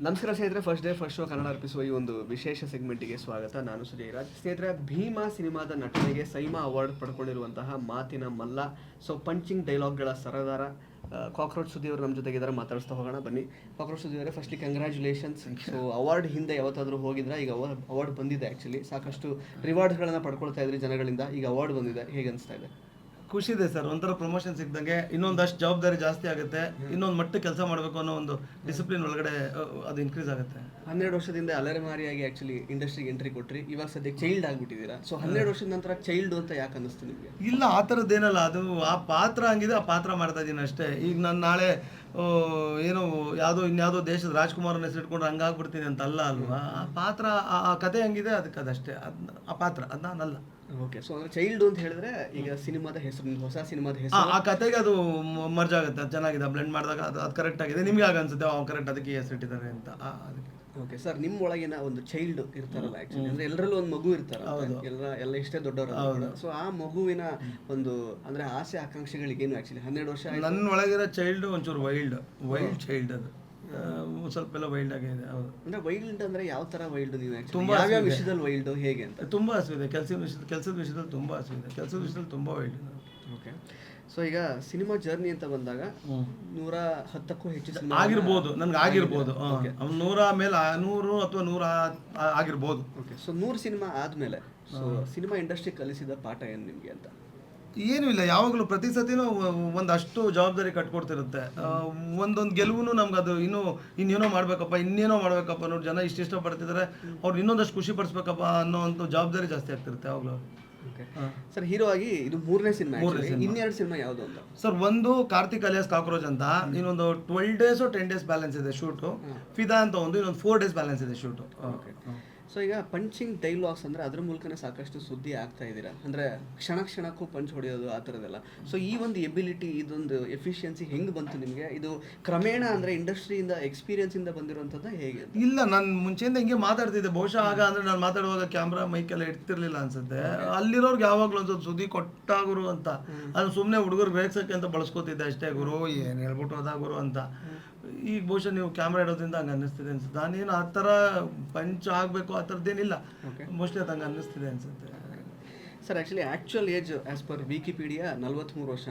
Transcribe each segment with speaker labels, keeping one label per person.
Speaker 1: ನಮಸ್ಕಾರ ಸ್ನೇಹಿತರೆ, first day first show Kannada ಅರ್ಪಿಸುವ ಈ ಒಂದು ವಿಶೇಷ ಸೆಗ್ಮೆಂಟಿಗೆ ಸ್ವಾಗತ. ನಾನು ಸುಜಯರಾಜ್. ಸ್ನೇಹಿತರೆ, ಭೀಮಾ ಸಿನಿಮಾದ ನಟನೆಗೆ ಸೈಮಾ ಅವಾರ್ಡ್ ಪಡ್ಕೊಂಡಿರುವಂತಹ ಮಾತಿನ ಮಲ್ಲ, ಸೊ ಪಂಚಿಂಗ್ ಡೈಲಾಗ್ಗಳ ಸರದಾರ ಕಾಕ್ರೋಚ್ ಸುದ್ದಿ ಅವರು ನಮ್ಮ ಜೊತೆಗಿದ್ದಾರೆ. ಮಾತಾಡಿಸ್ತಾ ಹೋಗೋಣ ಬನ್ನಿ. ಕಾಕ್ರೋಚ್ ಸುದ್ದಿ ಅವರೇ, ಫಸ್ಟ್ಲಿ ಕಂಗ್ರ್ಯಾಚುಲೇಷನ್ಸ್. ಸೊ ಅವಾರ್ಡ್ ಹಿಂದೆ ಯಾವತ್ತಾದರೂ ಹೋಗಿದ್ರಾ? ಈಗ ಅವಾರ್ಡ್ ಬಂದಿದೆ. ಆ್ಯಕ್ಚುಲಿ ಸಾಕಷ್ಟು ರಿವಾರ್ಡ್ಸ್ಗಳನ್ನು ಪಡ್ಕೊಳ್ತಾ ಇದ್ರಿ ಜನಗಳಿಂದ, ಈಗ ಅವಾರ್ಡ್ ಬಂದಿದೆ, ಹೇಗೆ ಅನಿಸ್ತಾ ಇದೆ?
Speaker 2: ಖುಷಿ ಇದೆ ಸರ್. ಒಂಥರ ಪ್ರಮೋಷನ್ ಸಿಕ್ದಂಗೆ ಇನ್ನೊಂದಷ್ಟು ಜವಾಬ್ದಾರಿ ಜಾಸ್ತಿ ಆಗುತ್ತೆ, ಇನ್ನೊಂದು ಮಟ್ಟಕ್ಕೆ ಕೆಲಸ ಮಾಡಬೇಕು ಅನ್ನೋ ಒಂದು ಡಿಸಿಪ್ಲಿನ್ ಒಳಗಡೆ ಅದು ಇನ್ಕ್ರೀಸ್ ಆಗುತ್ತೆ.
Speaker 1: 12 ವರ್ಷದಿಂದ ಅಲೆಮಾರಿಯಾಗಿ ಆ್ಯಕ್ಚುಲಿ ಇಂಡಸ್ಟ್ರಿಗೆ ಎಂಟ್ರಿ ಕೊಟ್ರಿ, ಇವಾಗ ಸದ್ಯಕ್ಕೆ ಚೈಲ್ಡ್ ಆಗಿಬಿಟ್ಟಿದ್ದೀರಾ. ಸೊ 12 ವರ್ಷದ ನಂತರ ಚೈಲ್ಡ್ ಅಂತ ಯಾಕೆ ಅನ್ನಿಸ್ತು ನಿಮಗೆ?
Speaker 2: ಇಲ್ಲ, ಆ ಥರದ್ದೇನಲ್ಲ. ಅದು ಆ ಪಾತ್ರ ಹಂಗಿದೆ, ಆ ಪಾತ್ರ ಮಾಡ್ತಾ ಇದ್ದೀನಿ ಅಷ್ಟೇ. ಈಗ ನಾನು ನಾಳೆ ಏನೋ ಇನ್ಯಾವುದೋ ದೇಶದ ರಾಜ್ಕುಮಾರನ ಹೆಸರು ಇಟ್ಕೊಂಡು ಹಂಗಾಗ್ಬಿಡ್ತೀನಿ ಅಂತ ಅಲ್ಲ ಅಲ್ವಾ. ಆ ಪಾತ್ರ, ಆ ಕತೆ ಹಂಗಿದೆ, ಅದಕ್ಕೆ ಅದಷ್ಟೇ. ಆ ಪಾತ್ರ ಅದು ನಾನಲ್ಲ.
Speaker 1: ಓಕೆ. ಸೊ ಅಂದರೆ ಚೈಲ್ಡ್ ಅಂತ ಹೇಳಿದ್ರೆ ಈಗ ಸಿನಿಮಾದ ಹೆಸರು, ಹೊಸ ಸಿನಿಮಾದ ಹೆಸರು,
Speaker 2: ಆ ಕತೆಗೆ ಅದು ಮರ್ಜ್ ಆಗುತ್ತೆ. ಅದು ಚೆನ್ನಾಗಿದೆ, ಬ್ಲೆಂಡ್ ಮಾಡಿದಾಗ ಅದು ಕರೆಕ್ಟ್ ಆಗಿದೆ. ನಿಮ್ಗೆ ಆಗ ಅನ್ಸುತ್ತೆ ಕರೆಕ್ಟ್, ಅದಕ್ಕೆ ಹೆಸರು ಇಟ್ಟಿದ್ದಾರೆ ಅಂತ. ಅದಕ್ಕೆ
Speaker 1: ಓಕೆ ಸರ್, ನಿಮ್ಮ ಒಳಗಿನ ಒಂದು ಚೈಲ್ಡ್ ಇರ್ತಾರಲ್ಲ, ಆ್ಯಕ್ಚುಲಿ ಅಂದರೆ ಎಲ್ಲರಲ್ಲೂ ಒಂದು ಮಗು ಇರ್ತಾರಲ್ಲ, ಎಲ್ಲ ಇಷ್ಟೇ ದೊಡ್ಡವರು. ಸೊ ಆ ಮಗುವಿನ ಒಂದು ಅಂದರೆ ಆಸೆ ಆಕಾಂಕ್ಷೆಗಳಿಗೇನು ಆ್ಯಕ್ಚುಲಿ 12 ವರ್ಷ
Speaker 2: ನನ್ನ ಒಳಗಿರೋ ಚೈಲ್ಡ್ ಒಂಚೂರು ವೈಲ್ಡ್ ಚೈಲ್ಡ್. ಅದು ಸ್ವಲ್ಪ ಎಲ್ಲ ವೈಲ್ಡ್ ಆಗಿದೆ. ಹೌದು.
Speaker 1: ಅಂದರೆ ವೈಲ್ಡ್ ಅಂದರೆ ಯಾವ ಥರ ವೈಲ್ಡ್? ನೀವು ತುಂಬ ಯಾವ್ಯಾವ ವಿಷಯದಲ್ಲಿ ವೈಲ್ಡ್, ಹೇಗೆ ಅಂತ?
Speaker 2: ತುಂಬ ಹಸಿವಿದೆ. ಕೆಲಸದ ವಿಷಯದಲ್ಲಿ ತುಂಬ ಹಸಿವಿದೆ. ಕೆಲಸದ ವಿಷಯದಲ್ಲಿ ತುಂಬ ವೈಲ್ಡ್.
Speaker 1: ಓಕೆ. ಸೊ ಈಗ ಸಿನಿಮಾ ಜರ್ನಿ ಅಂತ ಬಂದಾಗ 110ಕ್ಕೂ ಹೆಚ್ಚು ಸಿನಿಮಾ
Speaker 2: ಆಗಿರ್ಬೋದು, ನನ್ಗೆ ಆಗಿರ್ಬೋದು. 100 ಮೇಲೆ 100 ಅಥವಾ 100 ಆಗಿರ್ಬೋದು.
Speaker 1: ಓಕೆ. ಸೊ 100 ಸಿನಿಮಾ ಆದಮೇಲೆ ಸೊ ಸಿನಿಮಾ ಇಂಡಸ್ಟ್ರಿ ಕಲಿಸಿದ ಪಾಠ ಏನು ನಿಮಗೆ ಅಂತ?
Speaker 2: ಏನೂ ಇಲ್ಲ. ಯಾವಾಗಲೂ ಪ್ರತಿ ಸತಿನೂ ಒಂದಷ್ಟು ಜವಾಬ್ದಾರಿ ಕಟ್ಕೊಡ್ತಿರುತ್ತೆ. ಒಂದೊಂದು ಗೆಲುವು ನಮ್ಗೆ ಅದು ಇನ್ನೇನೋ ಮಾಡ್ಬೇಕಪ್ಪ ನೋಡಿ, ಜನ ಇಷ್ಟಪಡ್ತಿದ್ದಾರೆ, ಅವ್ರು ಇನ್ನೊಂದಷ್ಟು ಖುಷಿ ಪಡಿಸ್ಬೇಕಪ್ಪ ಅನ್ನೋ ಒಂದು ಜವಾಬ್ದಾರಿ ಜಾಸ್ತಿ ಆಗ್ತಿರುತ್ತೆ ಯಾವಾಗಲೂ.
Speaker 1: ಓಕೆ ಸರ್, ಹೀರೋ ಆಗಿ ಇದು 3ನೇ ಸಿನಿಮಾ. ಇನ್ನೆರಡು ಸಿನಿಮಾ ಯಾವುದು ಅಂತ?
Speaker 2: ಸರ್, ಒಂದು ಕಾರ್ತಿಕ್ ಅಲಿಯಾಸ್ ಕಾಕ್ರೋಚ್ ಅಂತ, ಇನ್ನೊಂದು 12 ಡೇಸ್ 10 ಡೇಸ್ ಬ್ಯಾಲೆನ್ಸ್ ಇದೆ ಶೂಟು. ಫಿದಾ ಅಂತ ಇನ್ನೊಂದು 4 ಡೇಸ್ ಬ್ಯಾಲೆನ್ಸ್ ಇದೆ ಶೂಟು.
Speaker 1: ಓಕೆ. ಸೊ ಈಗ ಪಂಚಿಂಗ್ ಡೈಲಾಗ್ಸ್ ಅಂದರೆ ಅದ್ರ ಮೂಲಕನೇ ಸಾಕಷ್ಟು ಸುದ್ದಿ ಆಗ್ತಾ ಇದ್ದೀರಾ, ಅಂದರೆ ಕ್ಷಣಕ್ಕೂ ಪಂಚ್ ಹೊಡೆಯೋದು ಆ ಥರದ್ದೆಲ್ಲ. ಸೊ ಈ ಒಂದು ಎಬಿಲಿಟಿ, ಇದೊಂದು ಎಫಿಷಿಯನ್ಸಿ ಹೆಂಗೆ ಬಂತು ನಿಮಗೆ? ಇದು ಕ್ರಮೇಣ ಅಂದರೆ ಇಂಡಸ್ಟ್ರಿಯಿಂದ ಎಕ್ಸ್ಪೀರಿಯನ್ಸಿಂದ ಬಂದಿರುವಂಥದ್ದು ಹೇಗೆ?
Speaker 2: ಇಲ್ಲ, ನಾನು ಮುಂಚೆಯಿಂದ ಹಿಂಗೆ ಮಾತಾಡ್ತಿದ್ದೆ. ಬಹುಶಃ ಆಗ ಅಂದರೆ ನಾನು ಮಾತಾಡುವಾಗ ಕ್ಯಾಮ್ರಾ ಮೈಕೆಲ್ಲ ಇಡ್ತಿರ್ಲಿಲ್ಲ ಅನ್ಸುತ್ತೆ. ಅಲ್ಲಿರೋರ್ಗೆ ಯಾವಾಗಲೂ ಒಂದು ಸುದ್ದಿ ಕೊಟ್ಟಾಗುರು ಅಂತ, ಅದು ಸುಮ್ಮನೆ ಹುಡುಗರು ರೇಗ್ಸೋಕ್ಕೆ ಅಂತ ಬಳಸ್ಕೊತಿದ್ದೆ ಅಷ್ಟೇ. ಗುರು ಏನು ಹೇಳ್ಬಿಟ್ಟು ಹೋದ ಗುರು ಅಂತ. ಈಗ ಬಹುಶಃ ನೀವು ಕ್ಯಾಮ್ರಾ ಇಡೋದ್ರಿಂದ ಹಂಗೆ ಅನ್ನಿಸ್ತಿದೆ ಅನ್ಸುತ್ತೆ. ನಾನೇನು ಆ ಥರ ಪಂಚ್ ಆಗಬೇಕು ಆ ಥರದ್ದೇನಿಲ್ಲ. ಮೋಸ್ಟ್ಲಿ ಅದು ಹಂಗೆ ಅನ್ನಿಸ್ತಿದೆ ಅನ್ಸುತ್ತೆ.
Speaker 1: Sir, actually actual age as per Wikipedia 43 ವರ್ಷ.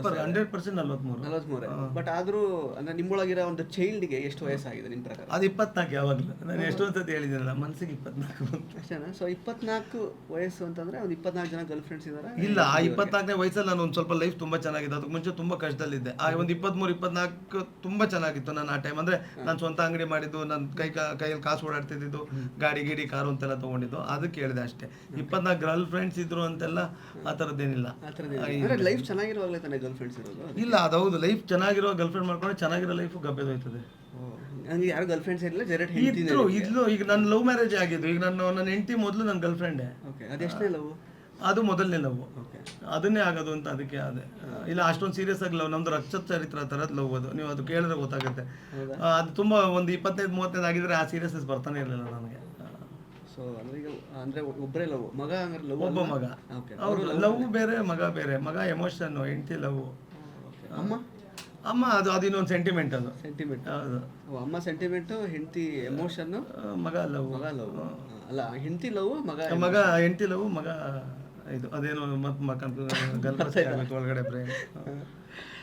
Speaker 2: 100% 43.
Speaker 1: ಬಟ್ ಆದರೂ ಅಂದರೆ ನಿಮ್ಮೊಳಗಿರೋ ಒಂದು ಚೈಲ್ಡ್ಗೆ ಎಷ್ಟು ವಯಸ್ಸಾಗಿದೆ ನಿಮ್ಮ ಪ್ರಕಾರ?
Speaker 2: ಅದು 24. ಯಾವಾಗಲೂ ನಾನು ಎಷ್ಟೊಂದು ಸತಿ ಹೇಳಿದ್ದೀನಲ್ಲ, ಮನಸ್ಸಿಗೆ 24
Speaker 1: ಅಷ್ಟೇನಾ? ಸೊ 24 ವಯಸ್ಸು ಅಂತಂದರೆ ಒಂದು 24 ಜನ ಗರ್ಲ್ ಫ್ರೆಂಡ್ಸ್ ಇದ್ದಾರೆ?
Speaker 2: ಇಲ್ಲ, ಆ 24ನೇ ವಯಸ್ಸಲ್ಲಿ ನಾನು ಒಂದು ಸ್ವಲ್ಪ ಲೈಫ್ ತುಂಬ ಚೆನ್ನಾಗಿದೆ. ಅದಕ್ಕೆ ಮುಂಚೆ ತುಂಬ ಕಷ್ಟದಲ್ಲಿದ್ದೆ. ಆ ಒಂದು 23-24 ತುಂಬ ಚೆನ್ನಾಗಿತ್ತು ನನ್ನ ಆ ಟೈಮ್. ಅಂದರೆ ನಾನು ಸ್ವಂತ ಅಂಗಡಿ ಮಾಡಿದ್ದು, ನನ್ನ ಕೈಯಲ್ಲಿ ಕಾಸು ಓಡಾಡ್ತಿದ್ದು, ಗಾಡಿ ಕಾರು ಅಂತೆಲ್ಲ ತೊಗೊಂಡಿದ್ದು. ಅದಕ್ಕೆ ಹೇಳಿದೆ ಅಷ್ಟೇ. 24 ಗರ್ಲ್ ಫ್ರೆಂಡ್ಸ್ ಇದ್ರು ಅಂತೆಲ್ಲ ಆ ಥರದ್ದೇನಿಲ್ಲ.
Speaker 1: ಲೈಫ್ ಚೆನ್ನಾಗಿರುವಾಗಲೇ ತಾನೇ ಗರ್ಲ್ ಫ್ರೆಂಡ್ಸ್ ಇರೋದು?
Speaker 2: ಇಲ್ಲ, ಅದೌದು. ಲೈಫ್ ಚೆನ್ನಾಗಿರೋ ಗರ್ಲ್ ಫ್ರೆಂಡ್ ಮಾಡ್ಕೊಂಡ್ರೆ ಚೆನ್ನಾಗಿರೋ ಲೈಫು ಗಬ್ಬೆದೋಯ್ತದೆ.
Speaker 1: ನನಗೆ ಯಾರು ಗರ್ಲ್ ಫ್ರೆಂಡ್ಸ್ ಇರಲಿಲ್ಲ,
Speaker 2: ಇದ್ಲು. ಈಗ ನನ್ನ ಲವ್ ಮ್ಯಾರೇಜ್ ಆಗಿದ್ದು. ಈಗ ನನ್ನ ಹೆಂಡತಿ ಮೊದಲು ನನ್ನ ಗರ್ಲ್ ಫ್ರೆಂಡೇ.
Speaker 1: ಓಕೆ. ಅದೆಷ್ಟನೇ ಲವ್?
Speaker 2: ಅದು ಮೊದಲನೇ ಲವ್. ಅದನ್ನೇ ಆಗೋದು ಅಂತ ಅದಕ್ಕೆ ಅದೇ. ಇಲ್ಲ, ಅಷ್ಟೊಂದು ಸೀರಿಯಸ್ ಆಗಿ ಲವ್, ನಮ್ದು ರಕ್ತ ಚರಿತ್ರ ಥರದ ಲವ್ ಅದು. ನೀವು ಅದು ಕೇಳಿದ್ರೆ ಗೊತ್ತಾಗುತ್ತೆ. ಅದು ತುಂಬ ಒಂದು 25-35 ಆಗಿದ್ರೆ ಆ ಸೀರಿಯಸ್ನೆಸ್ ಬರ್ತಾನೆ ಇರಲಿಲ್ಲ ನನಗೆ.
Speaker 1: ಸೊ ಅಂದರೆ ಈಗ ಅಂದರೆ ಒಬ್ಬರೇ ಲವ್, ಮಗ ಅಂದ್ರೆ ಲವ್?
Speaker 2: ಒಬ್ಬ ಮಗ. ಹೌದು, ಲವ್ ಬೇರೆ, ಮಗ ಬೇರೆ. ಮಗ ಎಮೋಷನ್, ಹೆಂಡತಿ ಲವ್. ಅಮ್ಮ ಅದು ಇನ್ನೊಂದು ಸೆಂಟಿಮೆಂಟ್. ಅದು
Speaker 1: ಸೆಂಟಿಮೆಂಟ್.
Speaker 2: ಹೌದು.
Speaker 1: ಅಮ್ಮ ಸೆಂಟಿಮೆಂಟು, ಹೆಂಡತಿ ಎಮೋಷನ್ನು,
Speaker 2: ಮಗ ಲವ್.
Speaker 1: ಅಲ್ಲ, ಹೆಂಡತಿ ಲವ್,
Speaker 2: ಹೆಂಡತಿ ಲವ್, ಮಗ ಇದು ಅದೇನೋ ಮತ್ತೆ ಗಲ್ಪಸಿ ಆಗಬೇಕು ಒಳಗಡೆ ಬ್ರೈನ್.